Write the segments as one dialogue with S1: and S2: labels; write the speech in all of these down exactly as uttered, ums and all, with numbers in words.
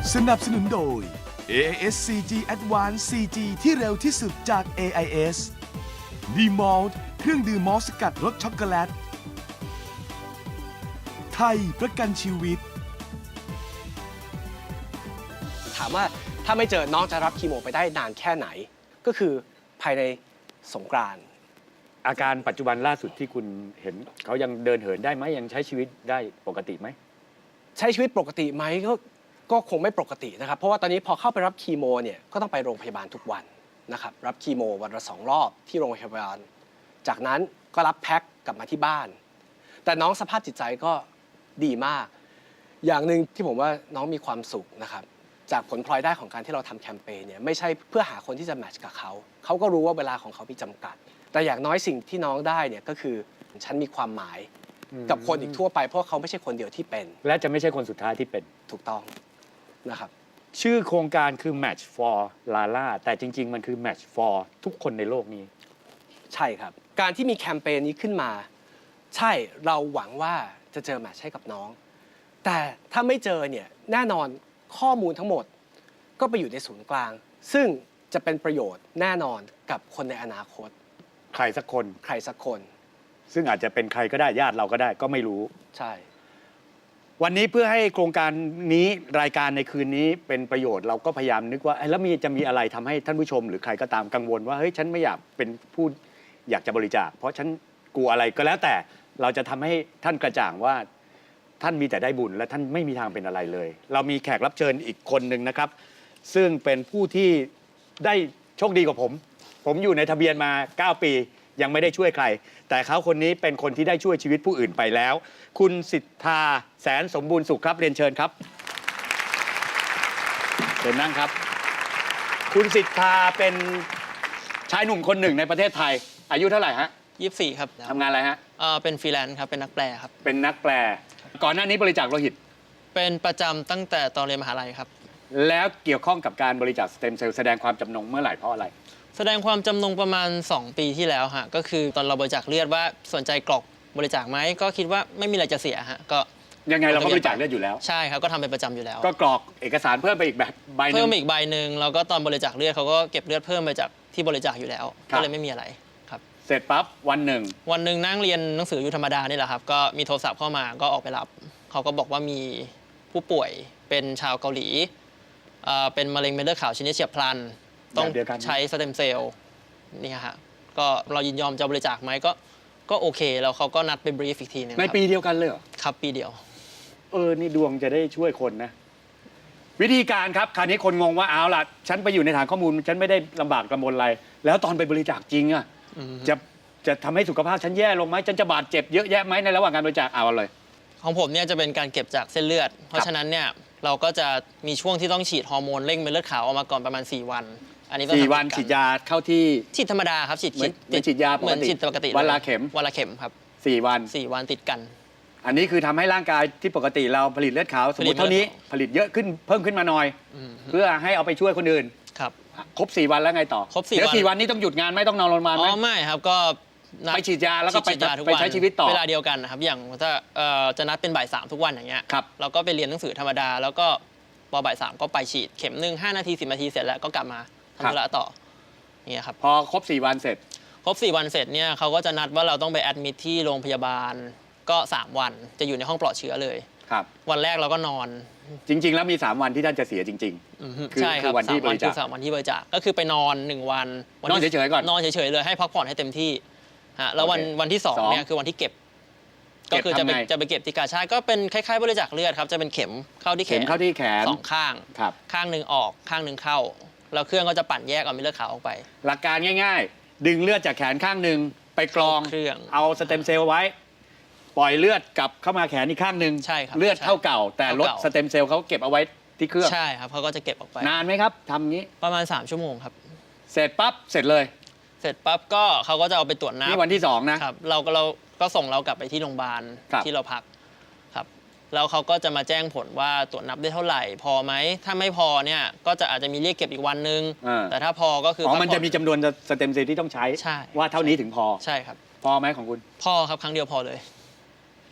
S1: สนับสนุนโดย เอ ไอ เอส ซี จี Advanced ซี จี ที่เร็วที่สุดจาก เอ ไอ เอส D-Malt เครื่องดื่มมอลต์สกัดรสช็อกโกแลต ไทยประกันชีวิต
S2: ถามว่าถ้าไม่เจอน้องจะรับคีโมไปได้นานแค่ไหน ก็คือภายในสงกรานต์
S3: อาการปัจจุบันล่าสุดที่คุณเห็นเขายังเดินเหินได้ไหมยังใช้ชีวิตได้ปกติไหม
S2: ใช้ชีวิตปกติไหมก็ก็คงไม่ปกตินะครับเพราะว่าตอนนี้พอเข้าไปรับคีโมเนี่ยก็ต้องไปโรงพยาบาลทุกวันนะครับรับคีโมวันละสองรอบที่โรงพยาบาลจากนั้นก็รับแพ็คกลับมาที่บ้านแต่น้องสภาพจิตใจก็ดีมากอย่างหนึ่งที่ผมว่าน้องมีความสุขนะครับจากผลพลอยได้ของการที่เราทำแคมเปญเนี่ยไม่ใช่เพื่อหาคนที่จะแมทช์กับเขาเขาก็รู้ว่าเวลาของเขามีจำกัดแต่อย่างน้อยสิ่งที่น้องได้เนี่ยก็คือฉันมีความหมายกับคนอีกทั่วไปเพราะเขาไม่ใช่คนเดียวที่เป็น
S3: และจะไม่ใช่คนสุดท้ายที่เป็น
S2: ถูกต้องนะครับ
S3: ชื่อโครงการคือ Match for Lala แต่จริงๆมันคือ Match for ทุกคนในโลกนี้
S2: ใช่ครับการที่มีแคมเปญนี้ขึ้นมาใช่เราหวังว่าจะเจอแมทช์ให้กับน้องแต่ถ้าไม่เจอเนี่ยแน่นอนข้อมูลทั้งหมดก็ไปอยู่ในศูนย์กลางซึ่งจะเป็นประโยชน์แน่นอนกับคนในอนาคต
S3: ใครสักคน
S2: ใครสักคน
S3: ซึ่งอาจจะเป็นใครก็ได้ญาติเราก็ได้ก็ไม่รู้
S2: ใช่
S3: วันนี้เพื่อให้โครงการนี้รายการในคืนนี้เป็นประโยชน์เราก็พยายามนึกว่าแล้วมีจะมีอะไรทำให้ท่านผู้ชมหรือใครก็ตามกังวลว่าเฮ้ยฉันไม่อยากเป็นผู้อยากจะบริจาคเพราะฉันกลัวอะไรก็แล้วแต่เราจะทำให้ท่านกระจ่างว่าท่านมีแต่ได้บุญและท่านไม่มีทางเป็นอะไรเลยเรามีแขกรับเชิญอีกคนหนึ่งนะครับซึ่งเป็นผู้ที่ได้โชคดีกว่าผมผมอยู่ในทะเบียนมาเก้าปียังไม่ได้ช่วยใครแต่เขาคนนี้เป็นคนที่ได้ช่วยชีวิตผู้อื่นไปแล้วคุณสิทธาแสนสมบูรณ์สุขครับเรียนเชิญครับเชิญนั่งครับคุณสิทธาเป็นชายหนุ่มคนหนึ่งในประเทศไทยอายุเท่าไหร่ฮะ
S4: ยี่สิบสี่ครับ
S3: ทำงานอะไรฮะ
S4: เอ่อเป็นฟรีแลนซ์ครับเป็นนักแปลครับ
S3: เป็นนักแปลก่อนหน้านี้บริจาคโลหิต
S4: เป็นประจำตั้งแต่ตอนเรียนมหาลัยครับ
S3: แล้วเกี่ยวข้องกับการบริจาคสเต็มเซลล์แสดงความจำนงเมื่อไหร่เพราะอะไร
S4: แสดงความจำนงประมาณสองปีที่แล้วฮะก็คือตอนเราบริจาคเลือดว่าสนใจกรอกบริจาคไหมก็คิดว่าไม่มีอะไรจะเสียฮะก็
S3: ยังไงเราก็บริจาคเลือดอยู่แล้ว
S4: ใช่ครับก็ทำเป็นประจำอยู่แล้ว
S3: ก็กรอกเอกสารเพิ่มไปอีกแบบใบนึง
S4: เพิ่มอีกใบหนึ่งแล้วก็ตอนบริจาคเลือดเขาก็เก็บเลือดเพิ่มไปจากที่บริจาคอยู่แล้วก็เลยไม่มีอะไรครับ
S3: เสร็จปั๊บวันหนึ่ง
S4: วันหนึ่งนั่งเรียนหนังสืออยู่ธรรมดานี่แหละครับก็มีโทรศัพท์เข้ามาก็ออกไปรับเขาก็บอกว่ามีผู้ป่วยเป็นชาวเกาหลีเป็นมะเร็งเม็ดเลือดขาวชนิดเฉียบพลันต้องใช้สเต็มเซลล์นี่ฮะก็เรายินยอมจะบริจาคไหมก็ก็โอเคแล้วเขาก็นัดไปบรีฟอีกทีนึง
S3: ในปีเดียวกันเลยเหรอ
S4: ครับปีเดียว
S3: เออนี่ดวงจะได้ช่วยคนนะวิธีการครับคราวนี้คนงงว่าเอาล่ะฉันไปอยู่ในฐานข้อมูลฉันไม่ได้ลำบากลำบนอะไรแล้วตอนไปบริจาคจริงอ่ะจะจะทำให้สุขภาพฉันแย่ลงไหมฉันจะบาดเจ็บเยอะแยะไหมในระหว่างการบริจาคเอาเลย
S4: ของผมเนี่ยจะเป็นการเก็บจากเส้นเลือดเพราะฉะนั้นเนี่ยเราก็จะมีช่วงที่ต้องฉีดฮอร์โมนเร่งเม็ดเลือดขาวออกมาก่อนประมาณสี่วันอันนี้ก็
S3: สี่วันฉีดยาเข้าที่
S4: ฉีดธรรมดาครับฉีด
S3: ติดฉีดยา
S4: เหมือนฉีดปกติ
S3: วันละเข็ม
S4: วันละเข็มครับ
S3: สี่วัน
S4: สี่วันติดกัน
S3: อันนี้คือทำให้ร่างกายที่ปกติเราผลิตเลือดขาวสมมติเท่านี้ผลิตเยอะขึ้นเพิ่มขึ้นมาหน่อยเพื่อให้เอาไปช่วยคนอื่น
S4: ครับ
S3: ครบสี่วันแล้วไงต่อ
S4: ครบสี่วัน
S3: เดี๋ยวสี่วันนี้ต้องหยุดงานไม่ต้องนอนโรงพยาบาลไหม
S4: อ๋อไม่ครับก็
S3: ไปฉีดยาแล้วก็ไปไปใช้ชีวิตต่อ
S4: เวลาเดียวกันนะครับอย่างถ้าจะนัดเป็นบ่ายสามทุกวันอย่างเงี้ยเราก็ไปเรียนหนังสือธรรมดาแล้วก็พอบ่ายสามก็ไปฉีดเข็มหนึ่งห้านาทีสิบนาทีเสร็จแล้วก็กลับมาทำธุระต่อเนี่ยครับ
S3: พอครบสี่วันเสร็จ
S4: ครบสี่วันเสร็จเนี่ยเขาก็จะนัดว่าเราต้องไปแอดมิทที่โรงพยาบาลก็สามวันจะอยู่ในห้องปลอดเชื้อเลย
S3: ครับ
S4: วันแรกเราก็นอน
S3: จริงๆแล้วมีสามวันที่ท่านจะเสียจริง
S4: ๆคือคือวันที่บริจาคสามวันที่บริจาคก็คือไปนอนหนึ่งวัน
S3: นอนเฉยๆก่อน
S4: นอนเฉยๆเลยให้พักผ่อนให้เต็มที่ฮะแล้ววันวันที่สองเนี่ยคือวันที่เก็บก็คือจะไปจะไปเก็บที่กาชาดก็เป็นคล้ายๆบริจาคเลือดครับจะเป็นเข็มเข้าที่แขน
S3: เข้าที่แขน
S4: สองข้างข้างหนึ่งออกข้างหนึ่งเข้าแล้วเครื่องก็จะปั่นแยกเอาเม็ดเลือดขาวออกไป
S3: หลักการง่ายๆดึงเลือดจากแขนข้างหนึ่งไปกรอง
S4: เครื่อง
S3: เอาสเต็มเซลล์ไว้ปล่อยเลือดกลับเข้ามาแขนอีกข้างหนึ่ง
S4: ใช่ครับ
S3: เลือดเท่าเก่าแต่ลดสเต็มเซลล์เขาเก็บเอาไว้ที่เครื่อง
S4: ใช่ครับเขาก็จะเก็บออกไป
S3: นานไหมครับทำงี้
S4: ประมาณสามชั่วโมงครับ
S3: เสร็จปั๊บเสร็จเลย
S4: เสร็จปั๊บก็เขาก็จะเอาไปตรวจน้ำ
S3: นี่วันที่สองนะครับ
S4: เราก็เราก็ส่งเรากลับไปที่โรงพยาบาลที่เราพักครับแล้วเขาก็จะมาแจ้งผลว่าตรวจนับได้เท่าไหร่พอไหมถ้าไม่พอเนี่ยก็จะอาจจะมีเรียกเก็บอีกวันนึงแต่ถ้าพอก็คืออ๋
S3: อมันจะมีจำนวนสเต็มเซลล์ที่ต้องใช้ว่าเท่านี้ถึงพอ
S4: ใช่ครับ
S3: พอไหมของคุณ
S4: พอครับครั้งเดียวพอเลย
S3: พ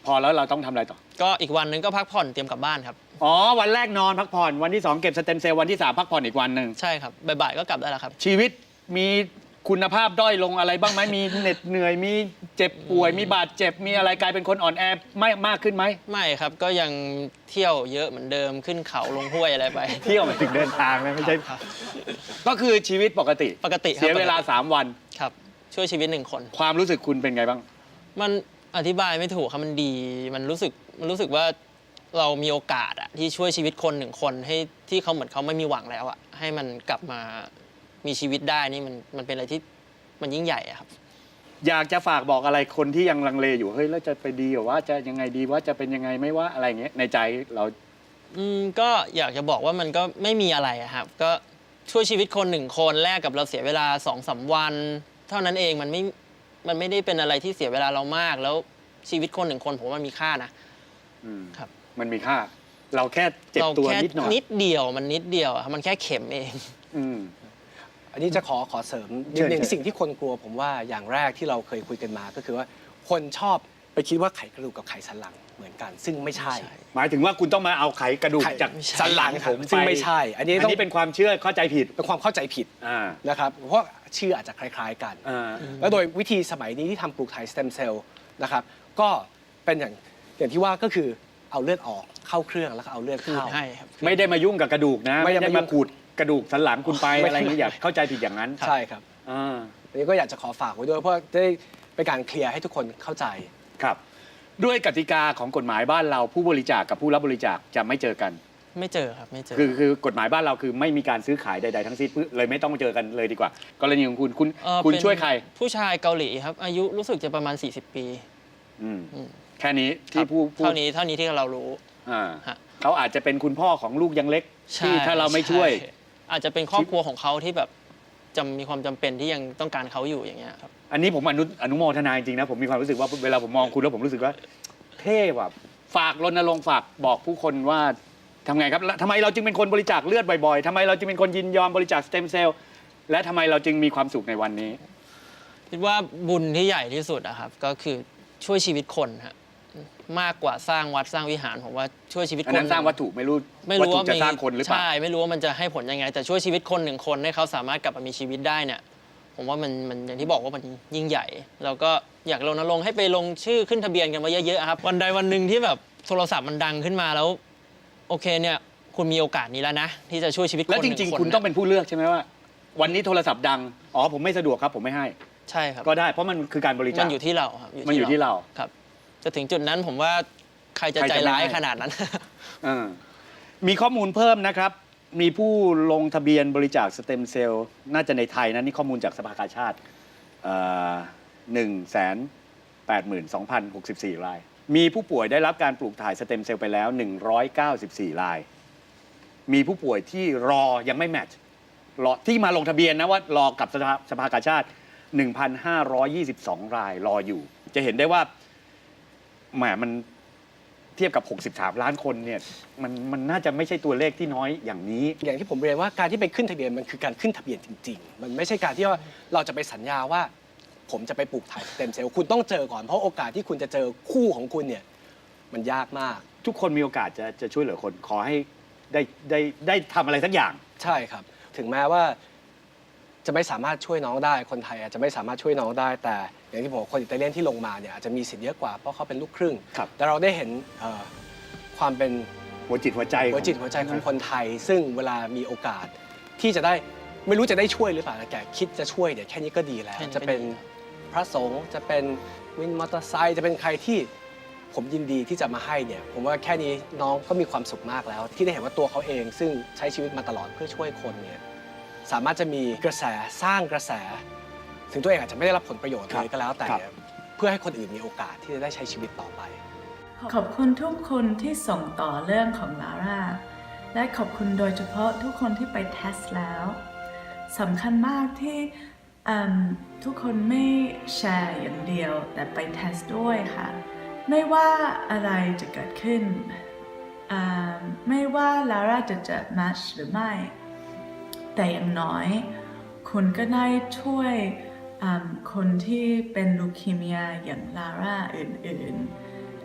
S3: พอแล้วเราต้องทำอะไรต่อ
S4: ก็อีกวันหนึงก็พักผ่อนเตรียมกลับบ้านครับ
S3: อ๋อวันแรกนอนพักผ่อนวันที่สองเก็บสเต็มเซลล์วันที่สามพักผ่อนอีกวันหนึ่ง
S4: ใช่ครับบ่ายๆก็กลับได้แล้วครับ
S3: ชีวิตมีคุณภาพด้อยลงอะไรบ้างไหมมีเหน็ดเหนื่อยมีเจ็บป่วยมีบาดเจ็บมีอะไรกลายเป็นคนอ่อนแอไม่มากขึ้นไหม
S4: ไม่ครับก็ยังเที่ยวเยอะเหมือนเดิมขึ้นเขาลงห้วยอะไรไป
S3: เที่ยวหมายถึงเดินทางนะไม่ใช่
S4: ครับ
S3: ก็คือชีวิตปกติ
S4: ปกติครับ
S3: เสียเวลาสามวัน
S4: ครับช่วยชีวิตหนึ่งคน
S3: ความรู้สึกคุณเป็นไงบ้าง
S4: มันอธิบายไม่ถูกครับมันดีมันรู้สึกมันรู้สึกว่าเรามีโอกาสอะที่ช่วยชีวิตคนหนึ่งคนให้ที่เขาเหมือนเขาไม่มีหวังแล้วอะให้มันกลับมามีชีวิตได้นี่มันมันเป็นอะไรที่มันยิ่งใหญ่อะครับ
S3: อยากจะฝากบอกอะไรคนที่ยังลังเลอยู่เฮ้ยแล้วจะไปดีหรือว่าจะยังไงดีว่าจะเป็นยังไงไม่ว่าอะไรอย่างเงี้ยในใจเรา
S4: อืมก็อยากจะบอกว่ามันก็ไม่มีอะไรอะครับก็ช่วยชีวิตคนหนึ่งคนแลกกับเราเสียเวลาสองสามวัน เท่านั้นเองมันไม่มันไม่ได้เป็นอะไรที่เสียเวลาเรามากแล้วชีวิตคนหนึ่งคนผมว่ามันมีค่านะ
S3: อืม
S4: ครับ
S3: มันมีค่า เราแค่เจ็บ
S4: เรา
S3: ตัว
S4: แค่
S3: นิดหน่อย
S4: นิดเดียวมันนิดเดียวอะมันแค่เข็มเอง
S3: อืม
S2: อันนี้จะขอขอเสริมนิ
S3: เชิ
S2: ด
S3: ญ
S2: นึง
S3: เชิญ
S2: สิ่งที่คนกลัวผมว่าอย่างแรกที่เราเคยคุยกันมาก็คือว่าคนชอบไปคิดว่าไขกระดูกกับไขสันหลังเหมือนกัน ซึ่งไม่ใช่
S3: หมายถึงว่าคุณต้องมาเอาไขกระดูก
S2: ไข
S3: จาก
S2: สันหลัง
S3: ผม
S2: ซึ่ง
S3: ป
S2: ไม่ใช่ อันนี้
S3: อัน
S2: ต้อง
S3: นี้เป็นความเชื่อเข้าใจผิด
S2: เป็นความเข้าใจผิด
S3: อ่า
S2: นะครับเพราะชื่ออาจจะคล้าย ๆกัน
S3: อ่า
S2: แล้วโดยวิธีสมัยนี้ที่ทำปลูกถ่ายสเต็มเซลล์นะครับก็เป็นอย่างอย่างที่ว่าก็คือเอาเลือดออกเข้าเครื่องแล้วก็เอาเลือด
S4: คืน
S2: เข้า
S4: ให้ครับ
S3: ไม่ได้มายุ่งกับกระดูกนะ
S2: ไม่
S3: ไม่
S2: ได้
S3: ได้
S2: มายุ่
S3: มาง ขูดกระดูกสันหลังคุณไป
S2: ไม่
S3: อะไรอย่างนี้อย่าเข้าใจผิดอย่างนั้น
S2: ใช่ครับ
S3: อ่า
S2: อันนี้ก็อยากจะขอฝากไว้ด้วยเพราะจะได้เป็นการเคลียร์ให้ทุกคนเข้าใจ
S3: ครับ ด้วยกติกาของกฎหมายบ้านเราผู้บริจาคกับผู้รับบริจาคจะไม่เจอกัน
S4: ไม่เจอครับไม่เจอ
S3: คือคือกฎหมายบ้านเราคือไม่มีการซื้อขายใดๆทั้งสิ้นเลยไม่ต้องเจอกันเลยดีกว่า กรณีของคุณคุณ
S4: เอ่อ
S3: คุณ
S4: เป็น
S3: ช่วยใคร
S4: ผู้ชายเกาหลีครับ อายุรู้สึกจะประมาณ สี่สิบ ปี
S3: อืม
S4: อืม
S3: แค่นี้
S4: ค
S3: ที่
S4: รับ
S3: ผู้ผู้
S4: เท่านี้เท่านี้ที่เรารู้
S3: อ่า
S4: ฮะ
S3: เขาอาจจะเป็นคุณพ่อของลูกยังเล็ก
S4: ใช่
S3: ที่ถ้าเราไม่ช่วย
S4: ใอาจจะเป็นครอบครัวของเขาที่แบบจำมีความจำเป็นที่ยังต้องการเขาอยู่อย่างเงี้ยครับ
S3: อันนี้ผมอนุอนุโมทนาจริงๆนะผมมีความรู้สึกว่าเวลาผมมองคุณแล้วผมรู้สึกว่าเท่ว่ะฝากรณรงค์ฝากบอกผู้คนว่าทำไงครับแล้วทำไมเราจึงเป็นคนบริจาคเลือดบ่อยๆทำไมเราจึงเป็นคนยินยอมบริจาคสเต็มเซลล์และทำไมเราจึงมีความสุขในวันนี้
S4: คิดว่าบุญที่ใหญ่ที่สุดอะครับก็คือช่วยชีวิตคนฮะมากกว่าสร้างวัดสร้างวิหารผมว่าช่วยชีวิต
S3: อัน
S4: คน
S3: นั้นสร้างวัตถุไม่รู้
S4: ไม่
S3: วัต
S4: รู้
S3: ถุ
S4: ว่า
S3: จะ
S4: มี
S3: สร้างคนหรือเปล่า
S4: ใช่ไม่รู้ว่ามันจะให้ผลยังไง แต่ช่วยชีวิตคนหนึ่งคนให้เขาสามารถกลับมามีชีวิตได้เนี่ยผมว่ามันมันอย่างที่บอกว่ามันยิ่งใหญ่แล้วก็อยากรณรงค์ให้ไปลงชื่อขึ้นทะเบียนกันมาเยอะๆครับวันใดวันหนึ่งที่แบบโทรศัพท์มันดังขึ้นมาแล้วโอเคเนี่ยคุณมีโอกาสนี้แล้วนะที่จะช่วยชีวิตคนห
S3: แล้ว
S4: นึ่
S3: จ
S4: ง
S3: ริง
S4: คน
S3: ๆ คุณต้องเป็นผู้เลือกใช่ไหมว่า วันนี้โทรศัพท์ดังอ๋อผมไม่สะดวกครับผมไม่ให้
S4: ใช่ครับ
S3: ก็ได้เพราะมันคือการบริจา
S4: มั
S3: คน
S4: อยู่ที่เราครับ
S3: มันอยู่ที่เรา
S4: ครับจะถึงจุดนั้นผมว่าใครจะ
S3: ใคร
S4: ใจ
S3: จะไม่
S4: ร้าย
S3: ให้
S4: ขนาดนั้น
S3: เออมีข้อมูลเพิ่มนะครับ มีผู้ลงทะเบียนบริจาคสเต็มเซลล์น่าจะในไทยนะนี่ข้อมูลจากสภากาชาติหนึ่งแสนแปดหมื่นสองพันหกสิบสี่ราย มีผู้ป่วยได้รับการปลูกถ่ายสเต็มเซลล์ไปแล้วหนึ่งร้อยเก้าสิบสี่ราย มีผู้ป่วยที่รอยังไม่แมทช์รอที่มาลงทะเบียนนะว่ารอกับสภาสภากาชาติ หนึ่งพันห้าร้อยยี่สิบสอง รายรออยู่ จะเห็นได้ว่าแหมมันเทียบกับ หกสิบสาม ล้านคนเนี่ยมันมันน่าจะไม่ใช่ตัวเลขที่น้อยอย่างนี้
S2: อย่างที่ผมเรียนว่าการที่ไปขึ้นทะเบียนมันคือการขึ้นทะเบียนจริง ๆ มันไม่ใช่การที่ว่าเราจะไปสัญญาว่า ผมจะไปปลูกถ่ายสเต็มเซลล์คุณต้องเจอก่อนเพราะโอกาสที่คุณจะเจอคู่ของคุณเนี่ยมันยากมาก
S3: ทุกคนมีโอกาสจะจะช่วยเหลือคนขอให้ได้ได้ได้ทำอะไรสักอย่าง
S2: ใช่ครับ ถึงแม้ว่าจะไม่สามารถช่วยน้องได้ คนไทยอาจจะไม่สามารถช่วยน้องได้ แต่อย่างที่ผมบอกคนอิตาเลียนที่ลงมาเนี่ยอาจจะมีสิทธิ์เยอะกว่าเพราะเขาเป็นลูกครึ่ง
S3: ครับ
S2: แต่เราได้เห็นเอ่อความเป็น
S3: หัวจิตหัวใจ
S2: หัวจิตหัวใจของคนไทย ซึ่งเวลามีโอกาสที่จะได้ไม่รู้จะได้ช่วยหรือเปล่าแต่คิดจะช่วยเนี่ยแค่นี้ก็ดีแล้ว
S4: แค่นี้ก็
S2: จะเป็น
S4: ดี
S2: พระสงฆ์จะเป็นวินมอเตอร์ไซค์จะเป็นใครที่ผมยินดีที่จะมาให้เนี่ยผมว่าแค่นี้น้องก็มีความสุขมากแล้ว ที่ได้เห็นว่าตัวเขาเอง ซึ่งใช้ชีวิตมาตลอดเพื่อช่วยคนเนี่ยสามารถจะมีกระแสสร้างกระแส ถึงตัวเองอาจจะไม่ได้รับผลประโยชน์เลยก็แล้วแต่เนี่ยเพื่อให้คนอื่นมีโอกาสที่จะได้ใช้ชีวิตต่อไป
S5: ขอบคุณทุกคนที่ส่งต่อเรื่องของลาร่าและขอบคุณโดยเฉพาะทุกคนที่ไปเทสแล้วสำคัญมากที่อืมทุกคนไม่แชร์อย่างเดียวแต่ไปเทสด้วยค่ะไม่ว่าอะไรจะเกิดขึ้นอืมไม่ว่าลาร่าจะเจอแมชหรือไม่แต่อย่างน้อยคุณก็ได้ช่วยอืมคนที่เป็นลูคีเมียอย่างลาร่าอื่นๆ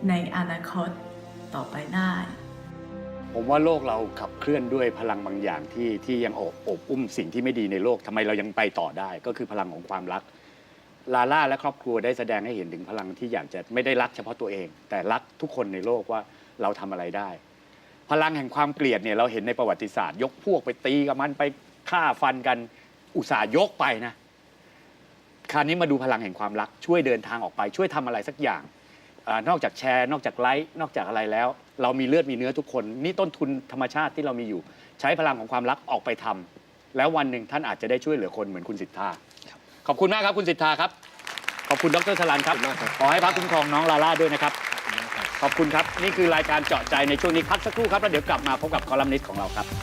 S5: ในอนาคตต่อไปได้
S3: ผมว่าโลกเราขับเคลื่อนด้วยพลังบางอย่างที่ที่ยังโอบโอบอุ้มสิ่งที่ไม่ดีในโลกทำไมเรายังไปต่อได้ ก็คือพลังของความรักลาล่าและครอบครัวได้แสดงให้เห็นถึงพลังที่อยากจะไม่ได้รักเฉพาะตัวเอง แต่รักทุกคนในโลกว่าเราทำอะไรได้ พลังแห่งความเกลียดเนี่ยเราเห็นในประวัติศาสตร์ ยกพวกไปตีกับมันไปฆ่าฟันกันอุตส่าห์ยกไปนะคราวนี้มาดูพลังแห่งความรักช่วยเดินทางออกไปช่วยทำอะไรสักอย่างอานอกจากแชร์นอกจากไลค์นอกจากอะไรแล้ว เรามีเลือดมีเนื้อทุกคนนี่ต้นทุนธรรมชาติที่เรามีอยู่ ใช้พลังของความรักออกไปทำแล้ววันหนึ่งท่านอาจจะได้ช่วยเหลือคนเหมือนคุณสิทธาขอบคุณมากครับคุณสิทธาครับขอบคุณดรสลันครับขอให้พระคุ้มครองน้องลาล่าด้วยนะครับขอบคุณครับนี่คือรายการเจาะใจในช่วงนี้พักสักครู่ครับแล้วเดี๋ยวกลับมาพบกับคอลัมนิสต์ของเราครับ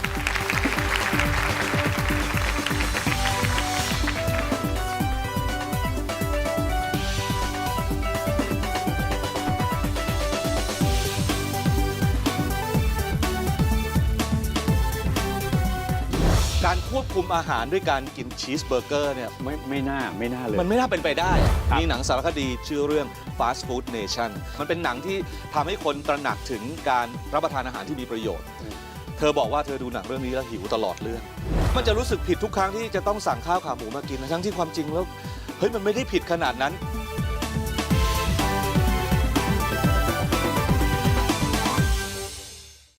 S6: การควบคุมอาหารด้วยการกินชีสเบอร์เกอร์เนี่ย
S3: ไม่ไม่น่าไม่น่าเลย
S6: มันไม่น่าเป็นไปได้
S3: ครับ
S6: มีหนังสารคดีชื่อเรื่อง Fast Food Nation มันเป็นหนังที่ทำให้คนตระหนักถึงการรับประทานอาหารที่มีประโยชน์ เธอบอกว่าเธอดูหนังเรื่องนี้แล้วหิวตลอดเรื่อง มันจะรู้สึกผิดทุกครั้งที่จะต้องสั่งข้าวขาหมูมากินทั้งที่ความจริงแล้วเฮ้ยมันไม่ได้ผิดขนาดนั้น